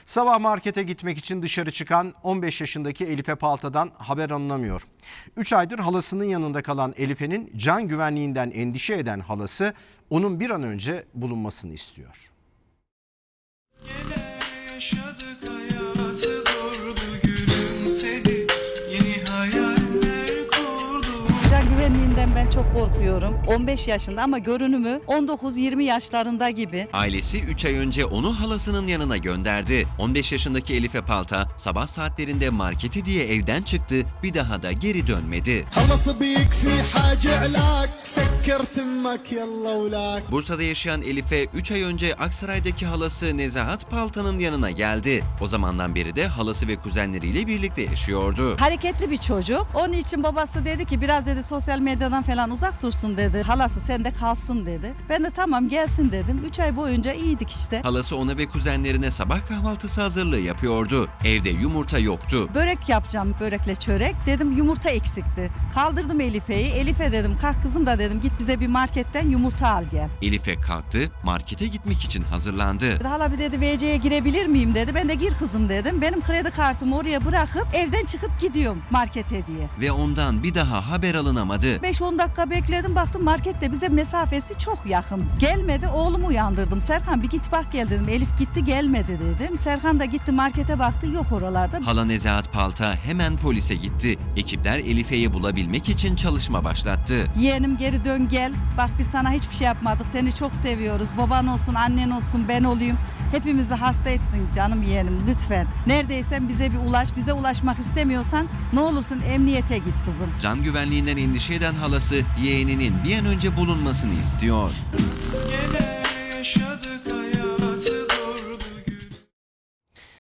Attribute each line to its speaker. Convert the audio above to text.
Speaker 1: Sabah markete gitmek için dışarı çıkan 15 yaşındaki Elife Palta'dan haber alınamıyor. 3 aydır halasının yanında kalan Elife'nin can güvenliğinden endişe eden halası onun bir an önce bulunmasını istiyor.
Speaker 2: Can güvenliğinden ben çok korkuyorum. 15 yaşında ama görünümü 19-20 yaşlarında gibi.
Speaker 3: Ailesi 3 ay önce onu halasının yanına gönderdi. 15 yaşındaki Elife Palta sabah saatlerinde marketi diye evden çıktı, bir daha da geri dönmedi. Bursa'da yaşayan Elife 3 ay önce Aksaray'daki halası Nezahat Palta'nın yanına geldi. O zamandan beri de halası ve kuzenleriyle birlikte yaşıyordu.
Speaker 2: Hareketli bir çocuk. Onun için babası dedi ki biraz dedi sosyal medyadan falan uzak dursun dedi. Halası sende kalsın dedi. Ben de tamam gelsin dedim. 3 ay boyunca iyiydik işte.
Speaker 3: Halası ona ve kuzenlerine sabah kahvaltısı hazırlığı yapıyordu. Evde yumurta yoktu.
Speaker 2: Börek yapacağım, börekle çörek. Dedim yumurta eksikti. Kaldırdım Elife'yi. Elife dedim kalk kızım da dedim git bize bir marketten yumurta al gel.
Speaker 3: Elife kalktı, markete gitmek için hazırlandı.
Speaker 2: Hala bir dedi VC'ye girebilir miyim dedi. Ben de gir kızım dedim. Benim kredi kartımı oraya bırakıp evden çıkıp gidiyorum markete diye.
Speaker 3: Ve ondan bir daha haber alınamadı.
Speaker 2: 5-10 dakika bekledim baktım markette bize mesafesi çok yakın. Gelmedi oğlumu uyandırdım. Serkan bir git bak gel dedim. Elif gitti gelmedi dedim. Serkan da gitti markete baktı yok oralarda.
Speaker 3: Hala Nezahat Palta hemen polise gitti. Ekipler Elife'yi bulabilmek için çalışma başlattı.
Speaker 2: Yeğenim geri dön gel. Bak biz sana hiçbir şey yapmadık. Seni çok seviyoruz. Baban olsun, annen olsun, ben olayım. Hepimizi hasta ettin canım yeğenim lütfen. Neredeysen bize bir ulaş. Bize ulaşmak istemiyorsan ne olursun emniyete git kızım.
Speaker 3: Can güvenliğinden endişe eden halası yeğeninin bir an önce bulunmasını istiyor.
Speaker 4: Gene yaşadık.